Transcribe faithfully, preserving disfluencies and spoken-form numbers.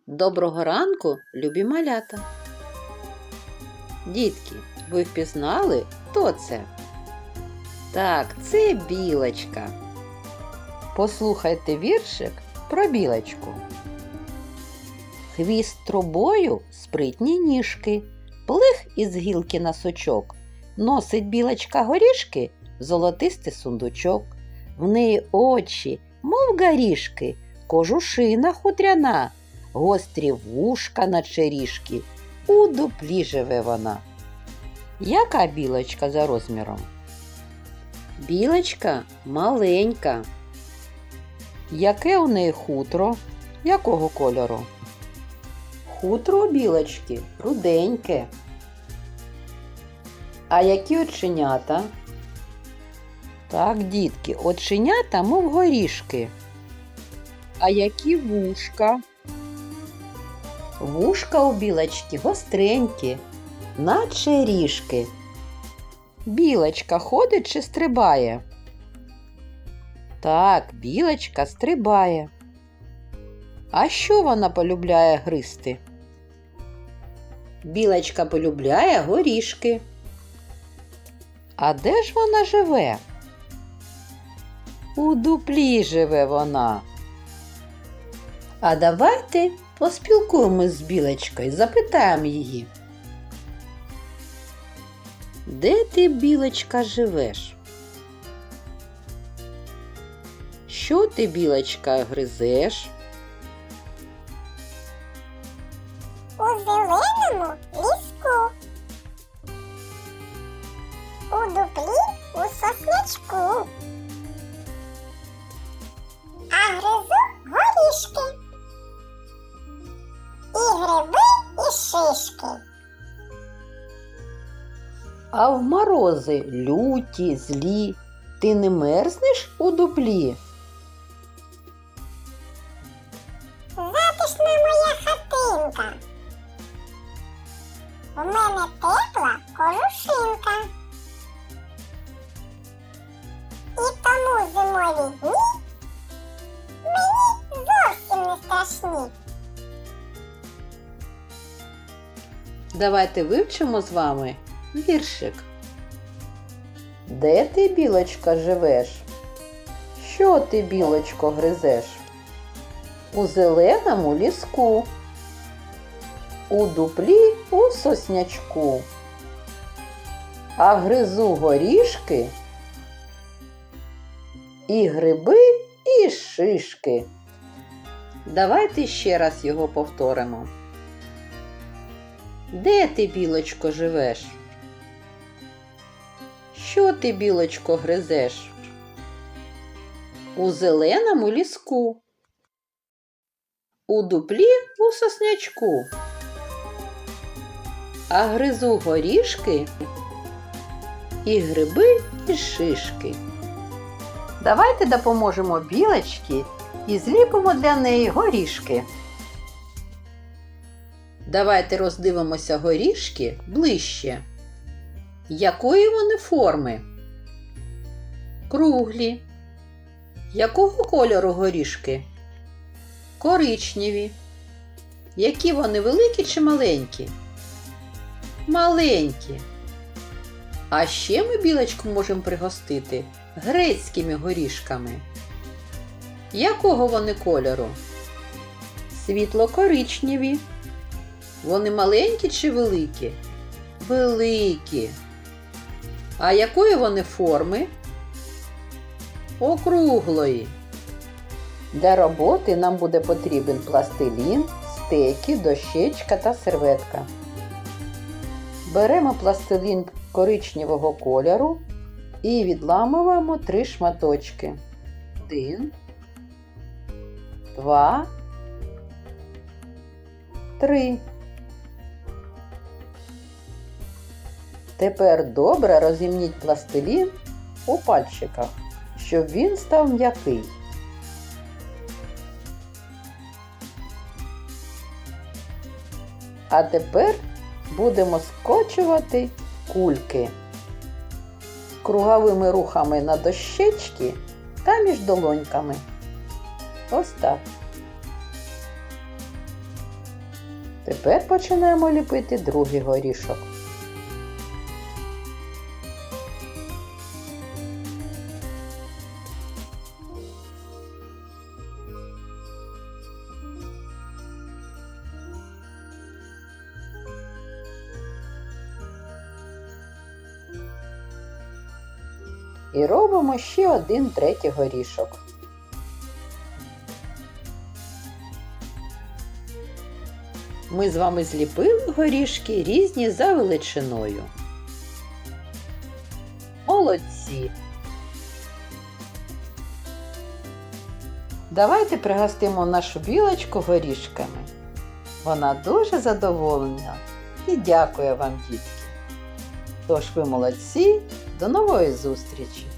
Доброго ранку, любі малята! Дітки, ви впізнали, хто це? Так, це білочка. Послухайте віршик про білочку. Хвіст трубою, спритні ніжки, плих із гілки на сучок. Носить білочка горішки, золотистий сундучок. В неї очі, мов горішки, кожушина хутряна, гострі вушка наче ріжки, у дуплі живе вона. Яка білочка за розміром? Білочка маленька. Яке у неї хутро? Якого кольору? Хутро у білочки руденьке. А які оченята? Так, дітки, оченята, мов горішки. А які вушка? Вушка у білочки гостренькі, наче ріжки. Білочка ходить чи стрибає? Так, білочка стрибає. А що вона полюбляє гризти? Білочка полюбляє горішки. А де ж вона живе? У дуплі живе вона. А давайте поспілкуємось з білочкою, запитаємо її. Де ти, білочка, живеш? Що ти, білочка, гризеш? У зеленому ліску, у дуплі у соснячку, а гризу горішки, і гриби, і шишки. А в морози люті, злі, ти не мерзнеш у дуплі? Затишна моя хатинка, у мене тепла кожушинка. І тому зимові дні мені зовсім не страшні. Давайте вивчимо з вами віршик. Де ти, білочка, живеш? Що ти, білочко, гризеш? У зеленому ліску, у дуплі у соснячку, а гризу горішки, і гриби, і шишки. Давайте ще раз його повторимо. Де ти, білочко, живеш? Що ти, білочко, гризеш? У зеленому ліску, у дуплі у соснячку, а гризу горішки, і гриби, і шишки. Давайте допоможемо білочці і зліпимо для неї горішки. Давайте роздивимося горішки ближче. Якої вони форми? Круглі. Якого кольору горішки? Коричневі. Які вони, великі чи маленькі? Маленькі. А ще ми білочку можемо пригостити грецькими горішками. Якого вони кольору? Світло-коричневі. Вони маленькі чи великі? Великі. А якої вони форми? Округлої. Для роботи нам буде потрібен пластилін, стеки, дощечка та серветка. Беремо пластилін коричневого кольору і відламуємо три шматочки. Один, два, три. Тепер добре розімніть пластилін у пальчиках, щоб він став м'який. А тепер будемо скочувати кульки круговими рухами на дощечці та між долоньками. Ось так. Тепер починаємо ліпити другий горішок. І робимо ще один третій горішок. Ми з вами зліпили горішки різні за величиною. Молодці! Давайте пригостимо нашу білочку горішками. Вона дуже задоволена і дякує вам, дітки. Тож ви молодці, до нової зустрічі!